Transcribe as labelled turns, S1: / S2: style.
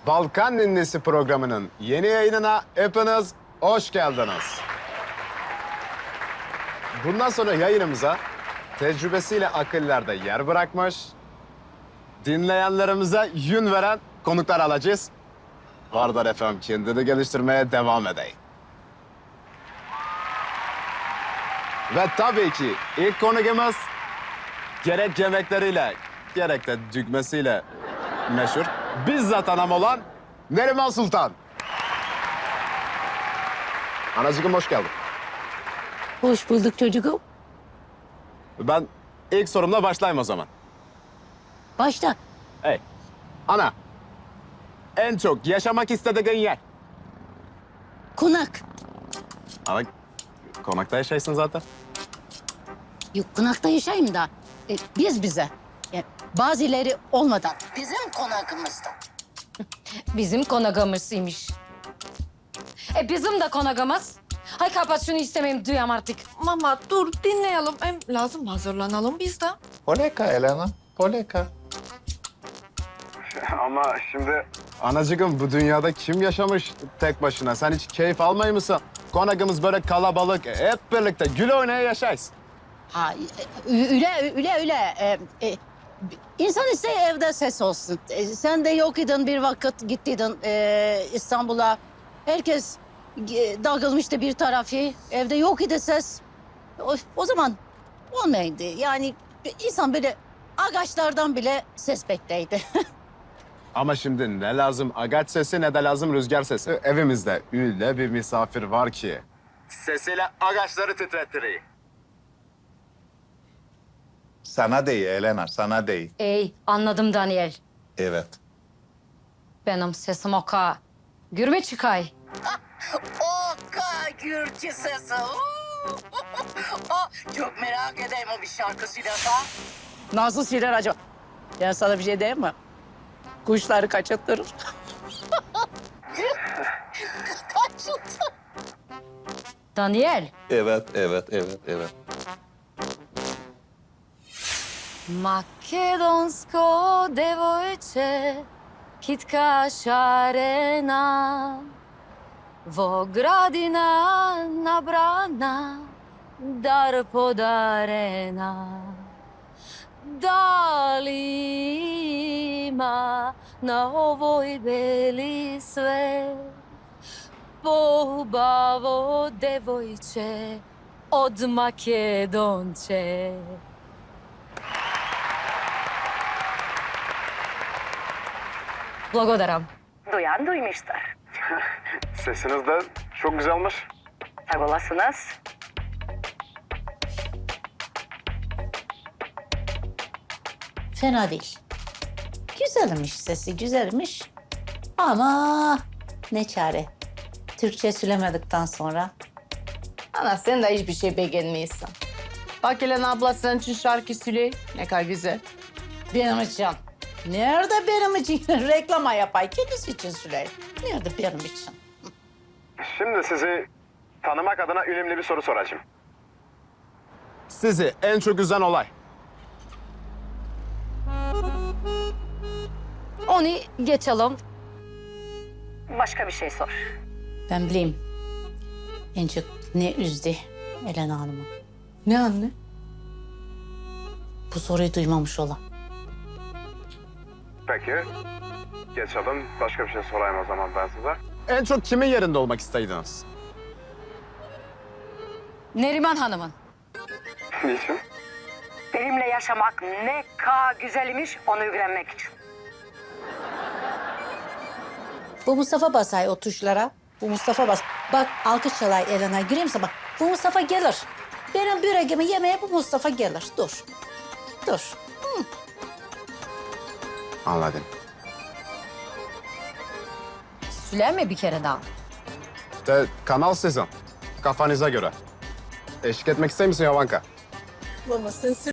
S1: Balkan Ninlisi programının yeni yayınına hepiniz hoş geldiniz. Bundan sonra yayınımıza tecrübesiyle akıllarda yer bırakmış, dinleyenlerimize yön veren konuklar alacağız. Vardar efendim kendini geliştirmeye devam edeyim. Ve tabii ki ilk konumuz gerek yemekleriyle gerek de düğmesiyle meşhur bizzat anam olan Neriman Sultan. Anacığım hoş geldin.
S2: Hoş bulduk çocuğum.
S1: Ben ilk sorumla başlayayım o zaman.
S2: Başla.
S1: Hey, ana. En çok yaşamak istediğin yer.
S2: Konak.
S1: Ama konakta yaşaysın zaten.
S2: Yok konakta yaşayayım da biz bize. Yani bazıları olmadan bizim konakımızda.
S3: Bizim konağımızıymış. Bizim de konağımız. Hay kapat şunu istemeyeyim duyam artık.
S4: Mama dur dinleyelim. Hem lazım hazırlanalım biz de.
S5: Poleka Elena, poleka.
S1: Ama şimdi... Anacığım bu dünyada kim yaşamış tek başına? Sen hiç keyif almayı mısın? Konağımız böyle kalabalık, hep birlikte gül oynaya yaşayız.
S2: Ha öyle. İnsan isteği evde ses olsun. Sen de yok idin bir vakit gittiydin İstanbul'a. Herkes dağılmıştı bir tarafı. Evde yok idi ses. O zaman olmaydı. Yani insan böyle ağaçlardan bile ses bekleydi.
S1: Ama şimdi ne lazım agaç sesi ne de lazım rüzgar sesi. Evimizde öyle bir misafir var ki. Sesiyle ağaçları titrettiriyor.
S5: Sana değil Elena, sana değil.
S3: Ey anladım Daniel.
S5: Evet.
S3: Benim sesim oka. Gürme çıkay.
S2: Oka Gürcü sesi. Çok merak edeyim o bir şarkı söylerse. Nasıl söyler acaba? Ben sana bir şey diyeyim mi? Kuşları kaçırtırır. Kaçırtır.
S3: Daniel.
S5: Evet.
S3: Makedonsko devojče, kitka šarena, vogradina nabrana, dar podarena. Da li ima na ovoj beli svet pohubavo devojče od Makedonče? Благодарам.
S2: Duyan duymuştur.
S1: Sesiniz de çok güzelmiş.
S2: Sağ olasınız. Fena değil. Güzelmiş sesi, güzelmiş. Ama ne çare. Türkçe söylemedikten sonra.
S4: Ana sen de hiçbir şey beğenmiyorsun. Bak Elena abla senin için şarkı söyle. Ne kadar güzel.
S2: Benim için. Nerede benim için? Reklama yapay. Kendisi için söyle. Nerede benim için?
S1: Şimdi sizi tanımak adına önemli bir soru soracağım. Sizi en çok üzen olay?
S3: Onu geçelim.
S2: Başka bir şey sor. Ben bileyim. En çok ne üzdü Elena Hanım'ı?
S4: Ne anne?
S2: Bu soruyu duymamış olan.
S1: Peki. Geçelim. Başka bir şey sorayım o zaman ben size. En çok kimin yerinde olmak istediniz?
S3: Neriman Hanım'ın.
S1: Niçin?
S2: Benimle yaşamak ne kadar güzelmiş onu öğrenmek için. Bu Mustafa basay o tuşlara. Bu Mustafa bas. Bak alkış çalay Elena. Göreyim misin? Bak bu Mustafa gelir. Benim böreğimi yemeye bu Mustafa gelir. Dur. Dur.
S1: Anladım.
S3: Söyleme bir kere daha.
S1: İşte kanal sizin. Kafanıza göre. Eşlik etmek ister misin Yavanka?
S4: Baba sen